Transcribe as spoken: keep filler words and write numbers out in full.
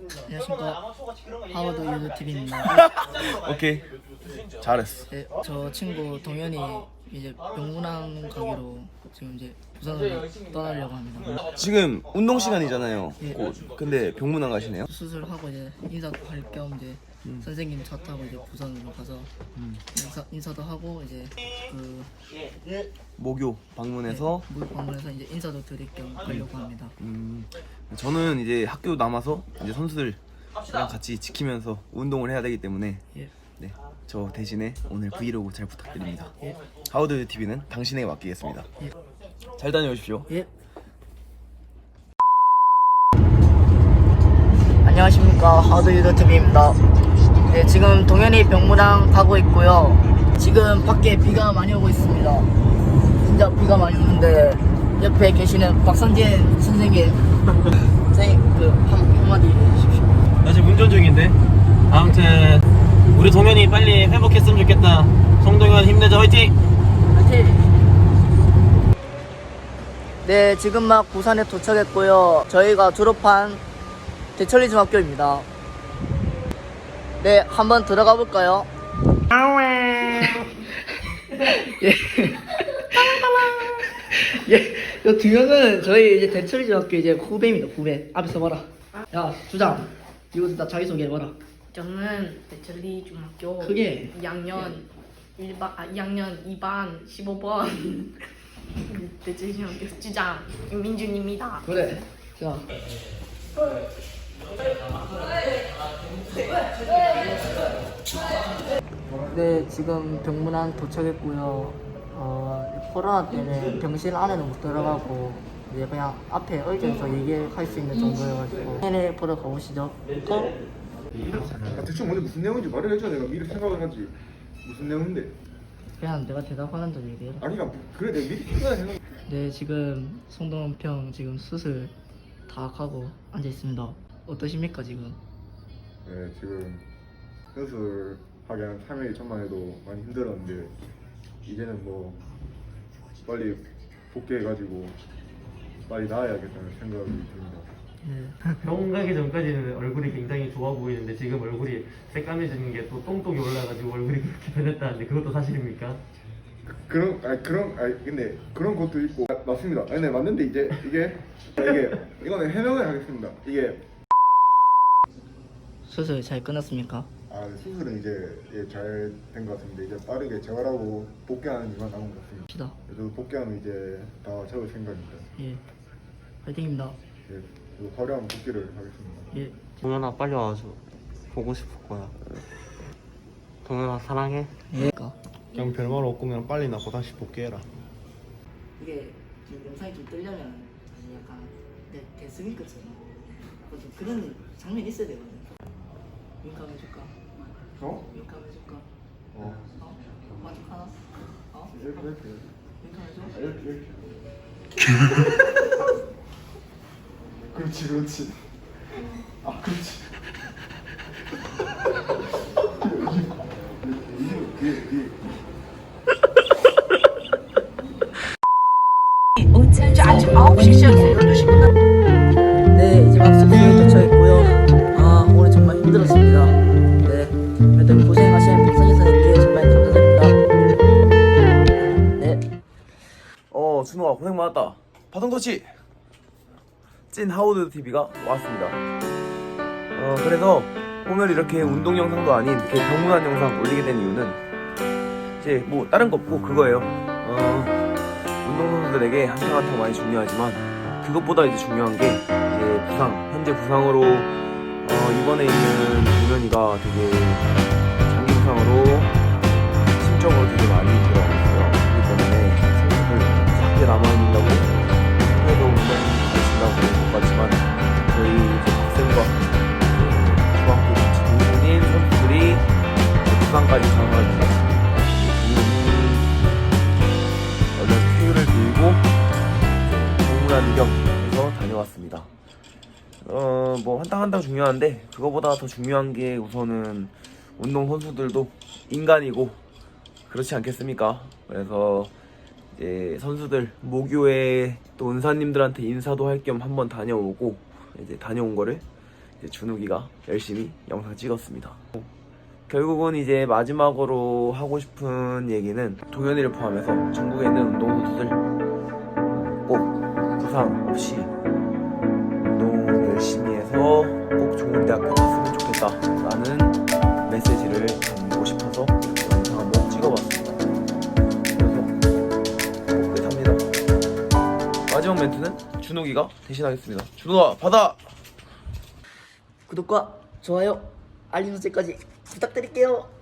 안녕하십니까. 하워드 유튜브입니다. 오케이, 잘했어. 네, 저 친구 동현이 이제 명문항 가기로 지금 이제 부산으로 떠나려고 합니다. 지금 운동 시간이잖아요. 예. 곧. 근데 병문 안 가시네요? 수술하고 이제 인사도 할 겸 이제 음. 선생님 차 타고 이제 부산으로 가서 음. 인사, 인사도 하고 이제 그 목요 방문해서 물 방문해서 이제 인사도 드릴 겸 가려고 합니다. 음, 저는 이제 학교 남아서 이제 선수들이랑 같이 지키면서 운동을 해야 되기 때문에 예. 네, 저 대신에 오늘 브이로그 잘 부탁드립니다. 예. 하워드 티비는 당신에게 맡기겠습니다. 예. 잘 다녀오십시오. 예. 안녕하십니까. 하워드 유튜브입니다. 네, 지금 동현이 병무랑 가고 있고요. 지금 밖에 비가 많이 오고 있습니다. 진짜 비가 많이 오는데 옆에 계시는 박선진 선생님 선생님 그 한, 한마디 해주십시오. 나 지금 운전 중인데. 아무튼 우리 동현이 빨리 회복했으면 좋겠다. 송동현 힘내자, 화이팅! 화이팅! 네, 지금 막 부산에 도착했고요. 저희가 졸업한 대천리 중학교입니다. 네, 한번 들어가 볼까요? 예. 예, 이 두 명은 저희 이제 대천리 중학교 이제 후배입니다. 후배. 앞에서 봐라. 야, 주장. 이거 다 자기소개 해봐라. 저는 대천리 중학교 크게. 이 학년 일 반, 아, 이 학년 이 반 십오 번 대천리 중학교 주장 임민준입니다. 그래. 자. 네, 지금 병문안 도착했고요. 어, 코로나 때문에 병실 안에는 못 들어가고 이제 그냥 앞에 의자에서 얘기할 수 있는 정도여가지고 팬을 보러 가보시죠. 고! 아, 대충 먼저 무슨 내용인지 말을 해줘. 내가 미리 생각을 하지. 무슨 내용인데? 그냥 내가 대답하는 대로 얘기해라. 아니가 그래 내가 미리 생각을 생각. 네, 지금 송동원평 지금 수술 다 하고 앉아 있습니다. 어떠십니까 지금? 네 지금 수술 하기 한 삼 일 전만 해도 많이 힘들었는데 이제는 뭐 빨리 복귀해가지고 빨리 나아야겠다는 생각이 듭니다. 네. 병원 가기 전까지는 얼굴이 굉장히 좋아 보이는데 지금 얼굴이 새까매지는 게 또 똥똥이 올라가지고 얼굴이 그렇게 변했다는데 그것도 사실입니까? 그런 아니 그런 아니 근데 그런 것도 있고 아, 맞습니다. 아니 네 맞는데 이제 이게 이게 이거는 해명을 하겠습니다. 이게 수술 잘 끝났습니까? 아 수술은 이제 잘 된 것 같은데 이제 빠르게 재활하고 복귀하는 일만 남은 것 같습니다. 합시다. 저도 복귀하면 이제 다 채울 생각입니다. 예. 화이팅입니다. 예, 저도 화려한 복귀를 하겠습니다. 예. 동현아 빨리 와서 보고 싶을 거야. 동현아 사랑해. 예. 그냥 별말 없고 그냥 빨리 나고 다시 복귀해라. 이게 지금 영상이 좀 뜨려면 사실 약간 내 대스윙 끝처럼 좀 그런 장면이 있어야 되거든. 윙크 한번 해줄까? 어? 윙크 한번 해줄까? 어. 어? 만족하나? 어? 이렇게 이렇게. 윙크 한번 아, 해줘? 이렇게 이렇게. 그렇지 그렇지. 아 그렇지. 뒤에 뒤에. 아침 아홉 시 시작해서 열두 시 끝나. 네, 이제 막 숙소에 도착했고요. 아, 오늘 정말 힘들었습니다. 네, 여튼 고생하신 박선희 선생님께 정말 감사드립니다. 네. 어, 준호가 고생 많았다. 바통 터치! 찐 하워드 티비가 왔습니다. 어, 그래서 오늘 이렇게 운동 영상도 아닌 이렇게 병문안 영상 올리게 된 이유는 이제 뭐 다른 거 없고 그거예요. 어, 운동선수들에게 한탕 한탕 많이 중요하지만 그것보다 이제 중요한 게 이제 부상, 현재 부상으로 어, 이번에 있는 동현이가 되게 장기 부상으로 심적으로 되게 많이 들어가고 있어요. 그렇기 때문에 선수들 밖에 남아있는다고 해도 운동 가신다고 못 봤지만 저희 이제 박쌤과 중학교 같이 동문인 선수들이 부상까지 당하니까 얼른 쾌유를 들고 병문안 겸해서 다녀왔습니다. 어, 뭐 한탕 한탕 중요한데 그거보다 더 중요한 게 우선은 운동 선수들도 인간이고 그렇지 않겠습니까? 그래서 이제 선수들 모교에 또 은사님들한테 인사도 할 겸 한번 다녀오고 이제 다녀온 거를 이제 준욱이가 열심히 영상 찍었습니다. 결국은 이제 마지막으로 하고 싶은 얘기는 동현이를 포함해서 전국에 있는 운동선수들 꼭 부상 없이 운동 열심히 해서 꼭 좋은 대학교 갔으면 좋겠다라는 메시지를 전하고 싶어서 영상 한번 찍어봤습니다. 그래서 끝합니다. 마지막 멘트는 준욱이가 대신하겠습니다. 준욱아 받아! 구독과 좋아요, 알림 설정까지 부탁드릴게요.